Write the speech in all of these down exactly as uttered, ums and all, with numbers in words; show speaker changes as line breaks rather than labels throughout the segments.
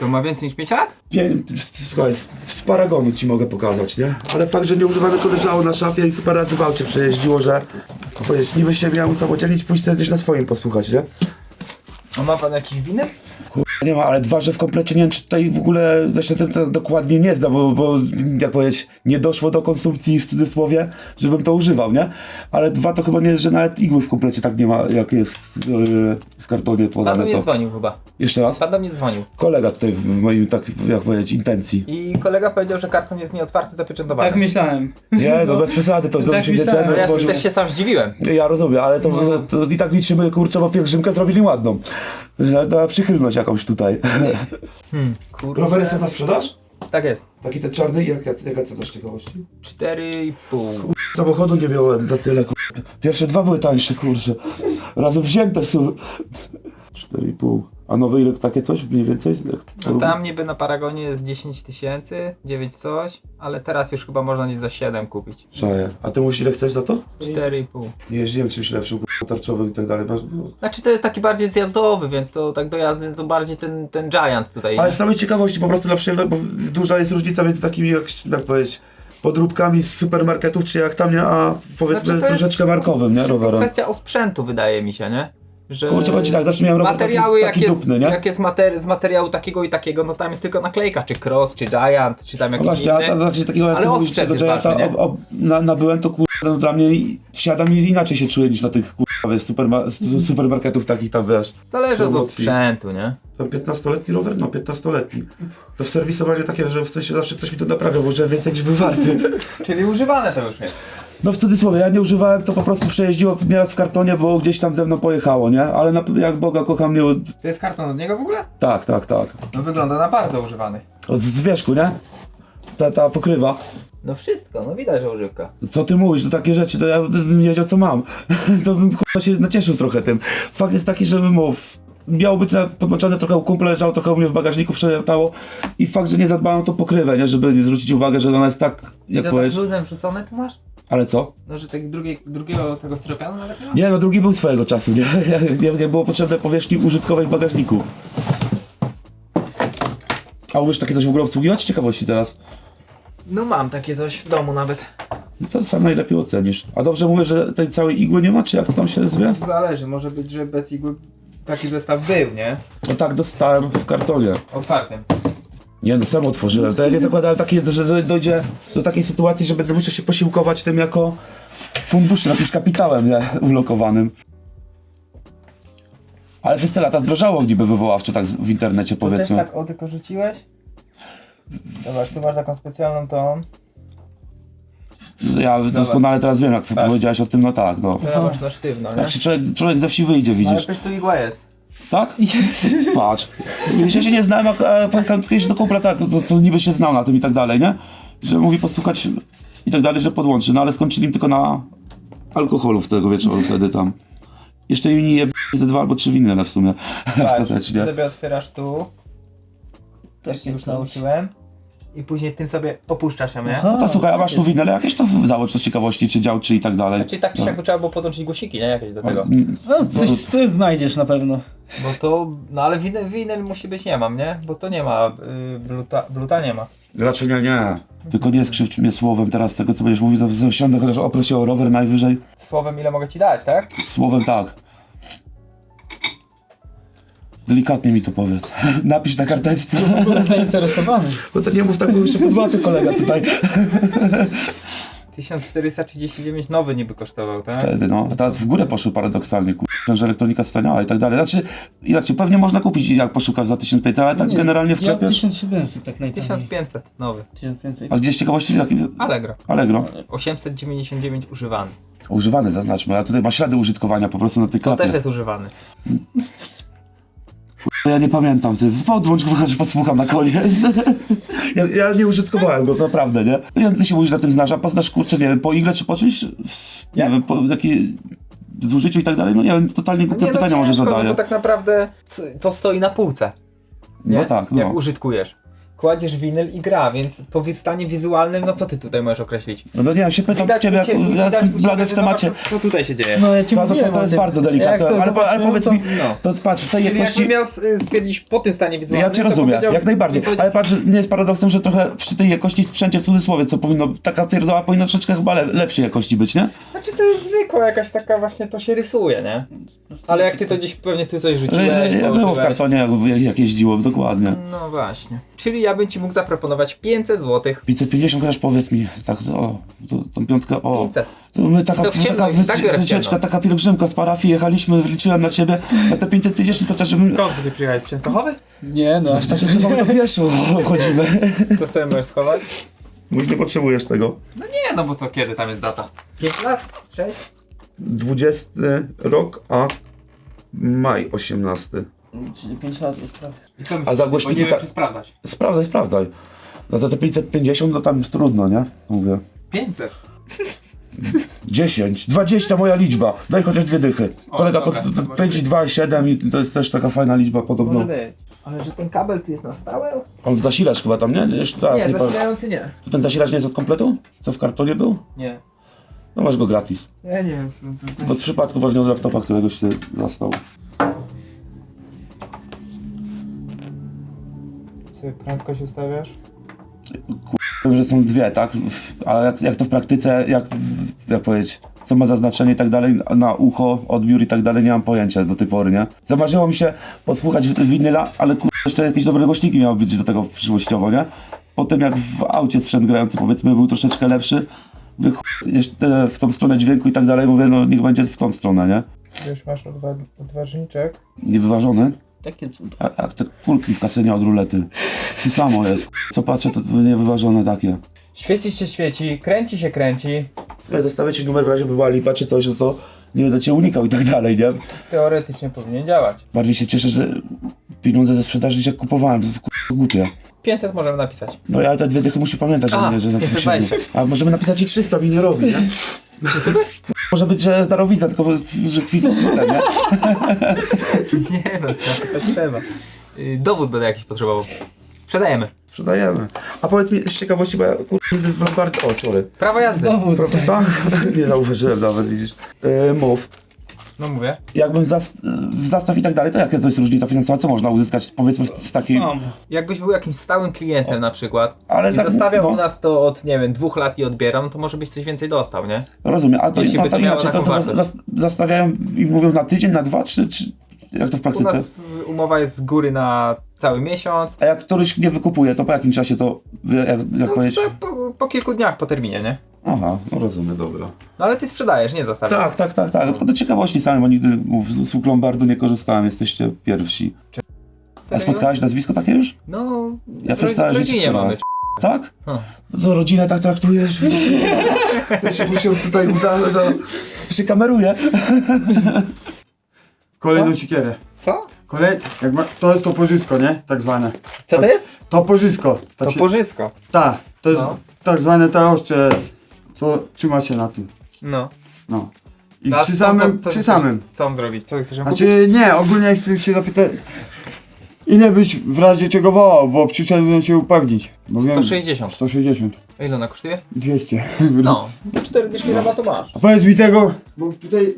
To ma więcej niż pięć lat?
Pię... Słuchaj, z paragonu ci mogę pokazać, nie? Ale fakt, że nieużywane to leżało na szafie i parę razy w aucie przejeździło, że... Powiedz, niby się miał usamodzielnić, pójść sobie gdzieś na swoim posłuchać, nie?
A ma pan jakieś winy?
Nie ma, ale dwa, że w komplecie nie wiem, czy tutaj w ogóle jeszcze tym to dokładnie nie zda, bo, bo jak powiedzieć, nie doszło do konsumpcji w cudzysłowie, żebym to używał, nie? Ale dwa to chyba nie, że nawet igły w komplecie tak nie ma, jak jest yy, w kartonie
Pan
podane
do mnie
to.
dzwonił chyba.
Jeszcze raz?
Pan do mnie dzwonił.
Kolega tutaj w moim, tak jak powiedzieć, intencji.
I kolega powiedział, że karton jest nieotwarty, zapieczętowany.
Tak myślałem.
Nie, no bez przesady, to, to
Tak
mi się nie
myślałem.
ten
No ja
otworzył.
też się sam zdziwiłem.
Ja rozumiem, ale to, to, to i tak liczymy, kurczę, bo pielgrzymkę zrobili ładną. Że na przychylność jakąś tutaj.
Hmm, kurde.
Rowery są na sprzedaż?
Tak jest.
Taki ten czarny, jak, jak, jaka cena z ciekawości?
Cztery i pół.
Samochodu nie miałem za tyle, kur... Pierwsze dwa były tańsze, kurczę. Razem wzięte w sumie. cztery i pół. A nowe ile takie coś mniej więcej?
No tam niby na Paragonie jest dziesięć tysięcy, dziewięć coś, ale teraz już chyba można gdzieś za siedem kupić.
Szaję. A ty mówisz ile chcesz za to?
cztery i pół.
Nie jeździłem czymś lepszym, kur... tarczowych i tak dalej. Masz... no.
Znaczy to jest taki bardziej zjazdowy, więc to tak do jazdy to bardziej ten, ten Giant tutaj.
Ale z samej ciekawości po prostu dla przyjemności, bo duża jest różnica między takimi, jak, jak powiedzieć, podróbkami z supermarketów, czy jak tam, nie, a powiedzmy
Znaczy, to jest
troszeczkę markowym, nie,
wszystko
rowerem.
kwestia osprzętu, wydaje mi się, nie? Że
Kurczę, powiem ci tak, zawsze miałem rower
materiały,
taki, taki
jak, jest,
dupny, nie?
jak jest mater- z materiału takiego i takiego, no tam jest tylko naklejka, czy Cross, czy Giant, czy tam
No
jakiś
właśnie,
inny.
a tam właśnie takiego jak
Ale
ty mówisz,
osprzęt
tego
jest
Gianta
ważny, nie?
ob- ob- na, nabyłem, to kurde, no dla mnie wsiadam i inaczej się czuję niż na tych kurde, wiesz, superma- z supermarketów takich tam, wiesz.
Zależy od
promocji.
sprzętu, nie?
Tam piętnastoletni rower? No piętnastoletni. To w serwisowaniu takie, że w sensie zawsze ktoś mi to naprawiał, bo że więcej niż był warty.
Czyli używane to już jest.
No w cudzysłowie, ja nie używałem, to po prostu przejeździło nieraz w kartonie, bo gdzieś tam ze mną pojechało, nie? Ale na, jak Boga kocham, nie...
To jest karton od niego w ogóle?
Tak, tak, tak.
No wygląda na bardzo używany.
Z, z wierzchu, nie? Ta, ta pokrywa.
No wszystko, no widać, że używka.
Co ty mówisz, to takie rzeczy, to ja bym nie wiedział co mam. To bym k***a się nacieszył trochę tym. Fakt jest taki, że mów, miało być na- podłączone trochę u kumpla, leżało trochę u mnie w bagażniku, przelatało i fakt, że nie zadbałem o tą pokrywę, nie? Żeby nie zwrócić uwagę, że ona jest tak,
I
jak
to tak
powiesz,
luzem rzucone tu masz?
ale co?
No, że tak drugie, drugiego tego styropianu nawet nie ma?
Nie no, drugi był swojego czasu, nie? Jak, jak było potrzebne powierzchni użytkowej w bagażniku. A umiesz takie coś w ogóle obsługiwać? Z ciekawości teraz.
No mam takie coś w domu nawet.
No to sam najlepiej ocenisz. A dobrze mówię, że tej całej igły nie ma, czy jak to tam się zwie?
Zależy, może być, że bez igły taki zestaw był, nie?
No tak, dostałem w kartonie.
Otwartym.
Nie no, sam otworzyłem. To ja nie zakładałem takie, że do- dojdzie do takiej sytuacji, że będę musiał się posiłkować tym jako funduszem, jakimś kapitałem, nie? Ulokowanym. Ale przez te lata zdrożało niby wywoławczo tak z- w internecie,
To też
powiedzmy.
tak o tylko rzuciłeś? Zobacz, tu masz taką specjalną tą.
Ja doskonale teraz wiem, jak powiedziałeś o tym, no tak, no.
Zobacz, na sztywno, nie?
Jak się człowiek, człowiek ze wsi wyjdzie,
Ale
widzisz.
przecież tu igła jest.
Tak? Patrz. Ja się nie znałem, a a pojechałem kiedyś do kumpla, tak, to, to niby się znał na tym i tak dalej, nie? Że mówi posłuchać i tak dalej, że podłączy, no ale skończyli im tylko na alkoholu w tego wieczoru wtedy tam. Jeszcze im nie je ze dwa albo trzy winne w sumie, ostatecznie.
sobie otwierasz tu. Też się już nauczyłem. I później tym sobie opuszczasz ją, nie?
Aha.
No to słuchaj, a masz tu winne, ale jakieś to załóż to z ciekawości, czy dział, czy i tak dalej.
Czyli tak czy siak by trzeba było podłączyć guziki, nie? Jakieś do tego.
No, coś, coś znajdziesz na pewno.
Bo to, no ale winyl, winyl musi być, nie mam, nie? Bo to nie ma, y, bluta, bluta nie ma.
Raczej nie, nie. Tylko nie skrzywdź mnie słowem teraz tego, co będziesz mówił, to zasiądę chociaż oproszę o rower najwyżej.
Słowem ile mogę ci dać, tak?
Słowem tak. Delikatnie mi to powiedz. Napisz na karteczce.
Byłem zainteresowany.
Bo to nie mów tak, bo jeszcze podbaty kolega tutaj.
tysiąc czterysta trzydzieści dziewięć nowy niby kosztował, tak?
Wtedy no. A teraz w górę poszły paradoksalnie, kur... że elektronika staniała i tak dalej. Znaczy, inaczej, pewnie można kupić jak poszukasz za tysiąc pięćset, ale tak
Nie,
generalnie w
ja
sklepie.
tysiąc siedemset tak najtaniej.
tysiąc pięćset nowy.
tysiąc pięćset.
A gdzieś z ciekawości taki
Allegro.
Allegro.
osiemset dziewięćdziesiąt dziewięć używany.
Używany zaznaczmy, a tutaj ma ślady użytkowania po prostu na tej
To
klapie.
też jest używany.
Ja nie pamiętam, ty podłącz go, chociaż posłucham na koniec. ja, ja nie użytkowałem go, to naprawdę, nie? Ja, ty się mówisz na tym znasz, a poznasz, kurczę, nie wiem, po igle czy po czymś? Nie wiem, po jakiej zużyciu i tak dalej, no nie wiem, totalnie głupie
Nie, no
pytania może
ciężko, no
zadaję.
bo tak naprawdę c- to stoi na półce. Nie?
No tak, no.
Jak użytkujesz. kładziesz winyl i gra, więc po stanie wizualnym, no co ty tutaj możesz określić?
No to nie wiem, się pytam
Widać
ciebie,
u
jak
ciebie-
ja
widać
jestem
u ciebie,
blady w
że
temacie.
zobacz, Co tutaj się dzieje?
No ja ci
To, to,
mówiłem
to, to
o
jest
tym.
bardzo
Jak
delikatne,
to
ale, ale
zobaczyłem,
powiedz
to-
mi,
No.
to patrz, w tej
Czyli
jakości...
jakbym miał s- stwierdzić po tym stanie wizualnym,
Ja cię
to
rozumiem,
powiedział-
jak najbardziej,
to powiedział-
ale patrz, nie jest paradoksem, że trochę przy tej jakości sprzęcie w cudzysłowie, co powinno, taka pierdoła powinna troszeczkę chyba le, lepszej jakości być, nie?
Znaczy to jest zwykła jakaś taka właśnie, to się rysuje, nie? Ale jak ty to gdzieś pewnie tu coś
Że,
rzuciłeś,
że było w
położyłeś.
kartonie, jak, jak, jak jeździło, dokładnie.
No właśnie. Czyli ja bym ci mógł zaproponować pięćset złotych.
pięćset pięćdziesiąt chociaż powiedz mi, tak, o, to, tą piątkę, o.
pięćset.
To my taka,
To w ciemno,
taka
i tak biorę w
wycieczka,
ciemno.
taka pielgrzymka z parafii, jechaliśmy, wliczyłem na ciebie, na te pięćset pięćdziesiąt, to też żebym...
Skąd ty przyjechałeś? Z Częstochowy?
Nie no.
Tak się z tego do pieszo chodzimy.
To sobie możesz schować?
Już nie potrzebujesz tego.
No nie, no bo to kiedy tam jest data? pięć lat? sześć?
dwudziesty rok, a maj osiemnasty.
Czyli pięć lat już prawie.
I co
A za głośniki
Bo nie wiem,
tak-
czy sprawdzać.
Sprawdzaj, sprawdzaj. No to te pięćset pięćdziesiąt, no tam już trudno, nie? Mówię.
pięćset.
dziesięć, dwadzieścia moja liczba. Daj chociaż dwie dychy.
O,
Kolega
dobra,
pod
to może
pięć i
być.
dwa i siedem i to jest też taka fajna liczba podobno.
Może być. Ale że ten kabel tu jest na stałe?
On zasilacz chyba tam, nie? Jeszcze teraz
Nie,
nie, pamiętam.
zasilający nie.
Ten zasilacz nie jest od kompletu? Co w kartonie był?
Nie.
No masz go gratis.
Ja nie wiem, co to, to...
Bo z przypadku pewnie od laptopa, któregoś się zastał.
Sobie prędkość ustawiasz?
Wiem, że są dwie, tak? A jak, jak to w praktyce, jak, jak powiedzieć, co ma zaznaczenie i tak dalej, na ucho, odbiór i tak dalej, nie mam pojęcia do tej pory, nie? Zamarzyło mi się posłuchać winyla, ale kur... jeszcze jakieś dobre głośniki miały być do tego przyszłościowo, nie? Potem jak w aucie sprzęt grający, powiedzmy, był troszeczkę lepszy, wy chuj, jeszcze w tą stronę dźwięku i tak dalej, mówię, no niech będzie w tą stronę, nie?
Już masz odwa odważniczek.
Niewyważone.
Takie cuda.
A jak te kulki w kasynie od rulety. To samo jest. Co patrzę, to, to niewyważone takie.
Świeci się świeci, kręci się kręci.
Słuchaj, zostawię ci numer w razie by była lipa czy coś, no to nie będę cię unikał i tak dalej, nie?
Teoretycznie powinien działać.
Bardziej się cieszę, że pieniądze ze sprzedaży niż jak kupowałem, to k***a głupie.
pięćset możemy napisać.
No ja te dwie dychy musi pamiętać,
A,
że, nie, że za
pięćset
się
dwadzieścia.
A możemy napisać i trzysta, mi nie robi, nie? Może być, że darowizna, tylko że kwitną, nie?
Nie no, napisać trzeba. Yy, dowód będę jakiś potrzebował. Sprzedajemy.
Sprzedajemy. A powiedz mi z ciekawości, bo ja kurde w Lombardzie... O, sorry.
Prawo jazdy.
Dowód.
Tak? Nie zauważyłem nawet, widzisz. Yy, mów.
No mówię.
Jakbym zas w zastaw i tak dalej, to jaka to jest różnica finansowa? Co można uzyskać, powiedzmy, z takiej...
Sam.
Jakbyś był jakimś stałym klientem na przykład
Ale
i
tak,
zostawiał
no.
u nas to od, nie wiem, dwóch lat i odbieram, to może byś coś więcej dostał, nie?
Rozumiem, a to,
Jeśli
no,
by
to
to miało
inaczej, to,
taką
to
wartość.
zas zastawiają i mówią na tydzień, na dwa, czy, czy jak to w
U
praktyce?
nas umowa jest z góry na cały miesiąc.
A jak któryś nie wykupuje, to po jakim czasie to, jak, jak
No,
powiedzieć?
co, po, po kilku dniach po terminie, nie?
Aha, no rozumiem, dobra.
No ale ty sprzedajesz, nie zostawiasz.
Tak, tak, tak, tak, tylko do ciekawości samej, bo nigdy mów, z usług Lombardu nie korzystałem, jesteście pierwsi. A spotkałeś nazwisko takie już?
No,
Ja przez całe
w
życie
rodzinie mamy.
teraz. Tak?
No.
Co, rodzinę tak traktujesz? Ja się muszę tutaj uda, za... się kameruje.
Kolejną
Co?
siekierę.
Co?
Kolej... Jak ma... To jest toporzysko, nie? Tak zwane.
Co to jest?
Toporzysko. Tak
To
się...
porzysko.
Tak, to jest
No.
tak zwane te ostrze, co trzyma się na tym.
No.
No. I
No, a
przy
co-
samym,
co, co,
przy
chcesz-
samym.
Co on zrobić? Co ty chcesz kupić?
Znaczy nie, ogólnie chcę się zapytać, ile byś w razie czego wołał, bo przyszedłem się upewnić. Bo wiem-
sto sześćdziesiąt.
sto sześćdziesiąt.
A ile ona kosztuje?
dwieście.
No. cztery dyszki rabatu masz.
A powiedz mi tego, bo tutaj...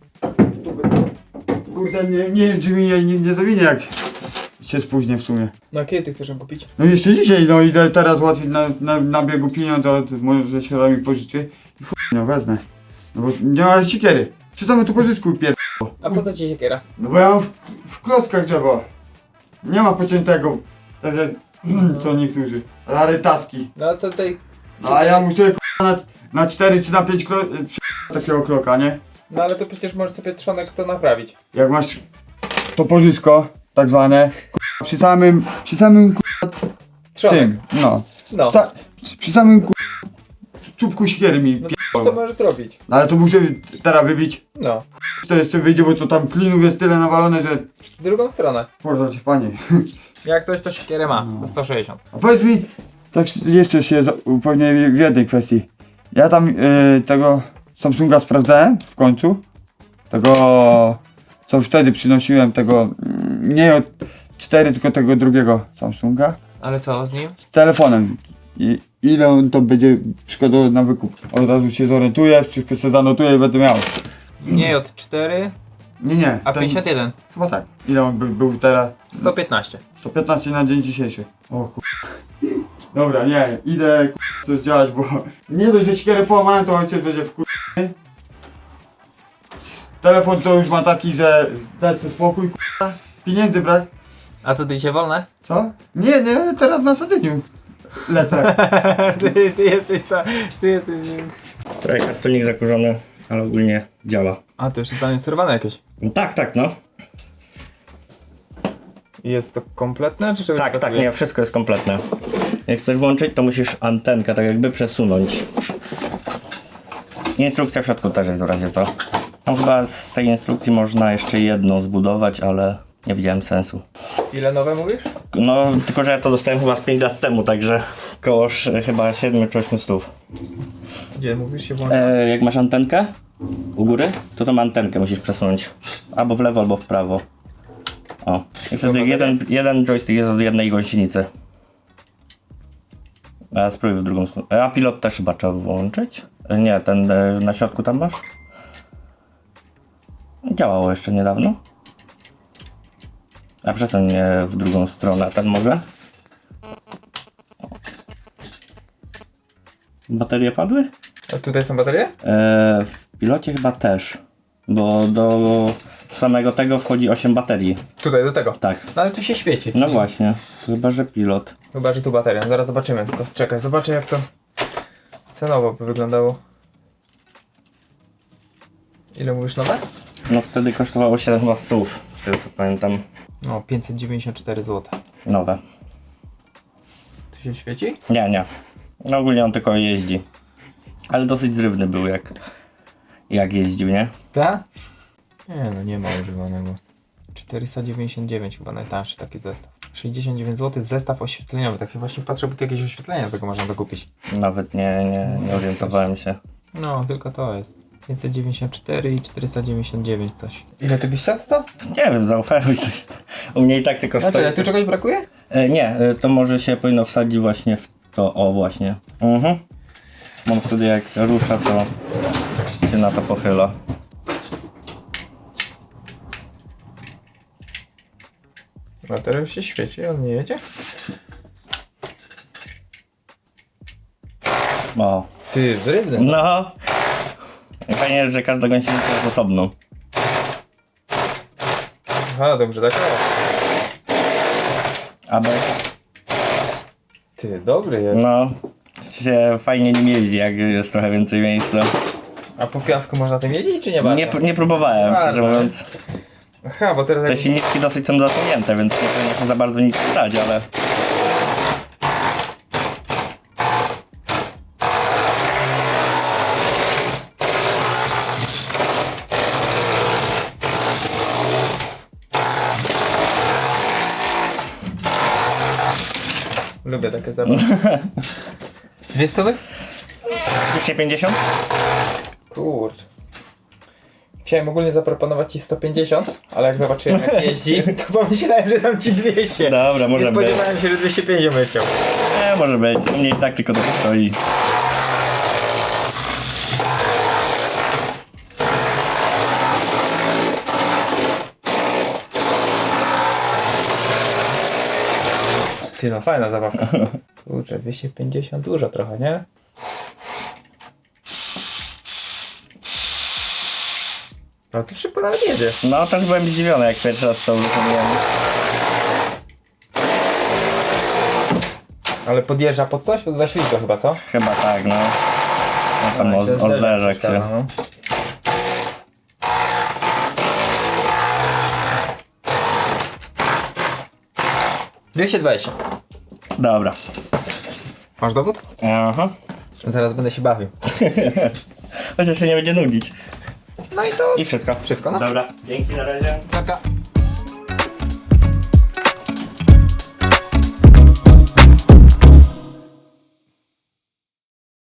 Kurde, nie, nie wiem czy mi nie, nie, nie zawinie jak się spóźnię w sumie.
No a kiedy ty chcesz ją kupić?
No jeszcze dzisiaj, no idę teraz łatwiej na, na, na biegu pieniądze, od, może się mi pożyczy i chuj, no wezmę. No bo nie ma siekiery. Czy same tu pożyczku pier...
A po co ci siekiera?
No bo ja mam w, w klockach drzewo. Nie ma pociętego, tak jak co niektórzy. Rarytaski.
No a co tutaj...
A ja muszę k***a, na, na cztery czy na pięć kro... przy- takiego kloka, nie?
No ale to przecież możesz sobie trzonek to naprawić.
Jak masz to pożysko, tak zwane, k***a, przy samym, przy samym k***a,
Trzonek.
tym, no.
No.
Ca, przy samym k***a, czubku siekiery mi
No
p***ą.
to możesz zrobić.
No ale to muszę teraz wybić.
No.
To jeszcze wyjdzie, bo to tam klinów jest tyle nawalone, że...
W drugą stronę.
Boże ci panie.
Jak coś to siekierę ma. To sto sześćdziesiąt.
A powiedz mi, tak jeszcze się za- upewnię w jednej kwestii. Ja tam y, tego Samsunga sprawdzałem w końcu. Tego, co wtedy przynosiłem, tego mm, nie od cztery, tylko tego drugiego Samsunga.
Ale co z nim?
Z telefonem. I ile on to będzie przykładowo na wykup? Od razu się zorientuję, wszystko sobie zanotuję i będę miał.
Nie J cztery,
Nie, nie.
a
ten-
pięćdziesiąt jeden.
Chyba tak. Ile on by, był teraz?
sto piętnaście.
sto piętnaście na dzień dzisiejszy. O kur... Dobra, nie, idę kur... coś działać, bo nie dość, że siekierę połamałem, to ojciec będzie w kur... Telefon to już ma taki, że dać sobie spokój, kur... pieniędzy brak.
A co, ty dzisiaj wolne?
Co? Nie, nie, teraz na Satyniu lecę.
ty, ty jesteś co? Ty jesteś...
Trochę kartonik zakurzony, ale ogólnie działa.
A, to już jest zainstalowane jakieś.
No tak, tak, no.
I jest to kompletne, czy czegoś
Tak, tak,
brakuje?
nie, wszystko jest kompletne. Jak chcesz włączyć, to musisz antenkę tak jakby przesunąć. Instrukcja w środku też jest w razie co. No chyba z tej instrukcji można jeszcze jedną zbudować, ale nie widziałem sensu.
Ile nowe mówisz?
No, tylko że ja to dostałem chyba z pięć lat temu, także koło sz- chyba siedem czy osiem stów.
Gdzie mówisz się włącza?
E, jak masz antenkę u góry, to tą antenkę musisz przesunąć. Albo w lewo, albo w prawo. O. I wtedy jeden, jeden joystick jest od jednej gąsienicy. A spróbuj w drugą stronę. A pilot też chyba trzeba włączyć? E, Nie, ten e, na środku tam masz? Działało jeszcze niedawno. A przesuń je w drugą stronę, ten może? Baterie padły?
A tutaj są baterie?
E, w pilocie chyba też, bo do samego tego wchodzi osiem baterii.
Tutaj, do tego.
Tak.
No ale tu się świeci.
No właśnie, chyba że pilot.
Chyba, że tu bateria. Zaraz zobaczymy. Tylko czekaj, zobaczę jak to cenowo by wyglądało. Ile mówisz nowe?
No wtedy kosztowało siedem chyba stów, z tego co pamiętam.
No, pięćset dziewięćdziesiąt cztery złote.
Nowe.
Tu się świeci?
Nie, nie. No ogólnie on tylko jeździ. Ale dosyć zrywny był jak, jak jeździł, nie?
Tak? Nie no, nie ma używanego. czterysta dziewięćdziesiąt dziewięć chyba najtańszy taki zestaw. sześćdziesiąt dziewięć złotych zestaw oświetleniowy. Tak się właśnie patrzę, bo tu jakieś oświetlenia tego można dokupić.
Nawet nie, nie, nie orientowałem się.
No, tylko to jest. pięćset dziewięćdziesiąt cztery i czterysta dziewięćdziesiąt dziewięć coś. Ile ty byś chciał za to?
Nie wiem, zaoferuj coś. U mnie i tak tylko
Znaczy,
stoi.
ale tu czegoś brakuje?
E, nie, e, to może się powinno wsadzić właśnie w to, o właśnie. Mhm. Mam wtedy jak rusza, to się na to pochyla.
Bateria już się świeci, on nie jedzie?
O.
Ty, zrywny.
No. I fajnie, że każda gąsienica jest osobną.
Aha, dobrze, tak.
A bez,
Ty, dobry jest.
no, się fajnie nim jeździ, jak jest trochę więcej miejsca.
A po piasku można tym jeździć, czy nie bardzo?
Nie, nie próbowałem,
Bardzo.
szczerze mówiąc.
Aha, bo teraz
Te
jak...
silniki dosyć są zasunięte, więc nie powinno się za bardzo nic stać, ale...
Lubię takie zabawy. Dwie stówy?
dwieście pięćdziesiąt?
Kurcz. Chciałem ogólnie zaproponować ci sto pięćdziesiąt, ale jak zobaczyłem jak jeździ, to pomyślałem, że dam ci dwieście.
Dobra, może
Nie
być.
spodziewałem się, że dwieście pięćdziesiąt będziesz chciał.
Nie, może być. U mnie i tak tylko to stoi.
Ty, no fajna zabawka. Kurczę, dwieście pięćdziesiąt dużo trochę, nie? No to szybko nawet jedzie.
No, też byłem zdziwiony, jak pierwszy raz to uruchomiłem.
Ale podjeżdża pod coś? Pod zaślizgo chyba, co?
Chyba tak, no. No tam o, o zderzak się.
No. dwieście dwadzieścia.
Dobra.
Masz dowód?
Aha.
Zaraz będę się bawił.
Chociaż się nie będzie nudzić.
No i to
I wszystko.
wszystko, no.
Dobra. Dzięki, na razie.
taka